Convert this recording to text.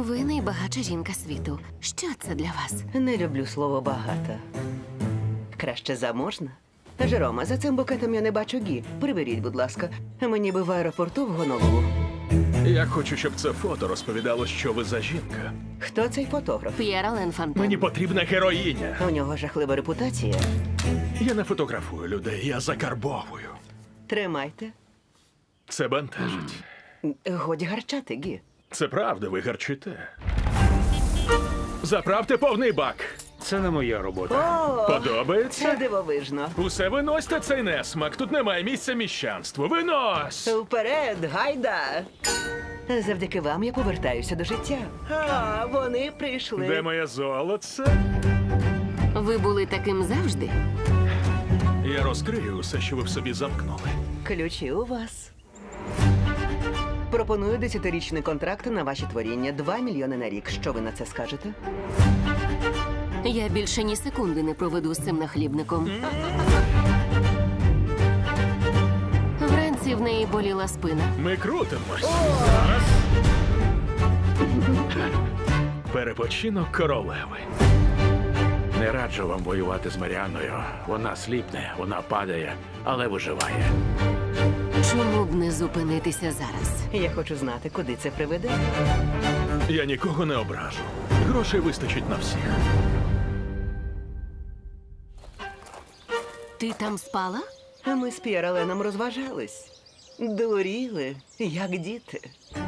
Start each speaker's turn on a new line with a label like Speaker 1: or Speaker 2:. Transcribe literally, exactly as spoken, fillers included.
Speaker 1: Ви найбагатша жінка світу. Що це для вас?
Speaker 2: Не люблю слово багата. Краще заможна. Жерома, за цим букетом я не бачу гі. Приберіть, будь ласка. Мені би в аеропорту в Гонолулу.
Speaker 3: Я хочу, щоб це фото розповідало, що ви за жінка.
Speaker 2: Хто цей фотограф?
Speaker 1: П'єр Ален Фонтен.
Speaker 3: Мені потрібна героїня.
Speaker 2: У нього жахлива репутація.
Speaker 3: Я не фотографую людей, я закарбовую.
Speaker 2: Тримайте.
Speaker 3: Це бентежить.
Speaker 2: Годі гарчати, гі.
Speaker 3: Це правда, ви гарчите. Заправте повний бак.
Speaker 4: Це не моя робота.
Speaker 2: О, це
Speaker 3: Подобається?
Speaker 2: дивовижно.
Speaker 3: Усе виносьте цей несмак. Тут немає місця міщанству. Винось!
Speaker 2: Вперед, гайда! Завдяки вам я повертаюся до життя. А, вони прийшли.
Speaker 3: Де моє золоце?
Speaker 1: Ви були таким завжди?
Speaker 3: Я розкрию усе, що ви в собі замкнули.
Speaker 2: Ключі у вас. Пропоную десятирічний контракт на ваші творіння. Два мільйони на рік. Що ви на це скажете?
Speaker 1: Я більше ні секунди не проведу з цим нахлібником. Вранці в неї боліла спина.
Speaker 3: Ми крутимось. Перепочинок королеви.
Speaker 4: Не раджу вам воювати з Маріаною. Вона сліпне, вона падає, але виживає.
Speaker 1: Чому б не зупинитися зараз?
Speaker 2: Я хочу знати, куди це приведе.
Speaker 3: Я нікого не ображу. Грошей вистачить на всіх.
Speaker 1: Ти там спала?
Speaker 2: А ми з П'єр Аленом розважались. Дуріли, як діти.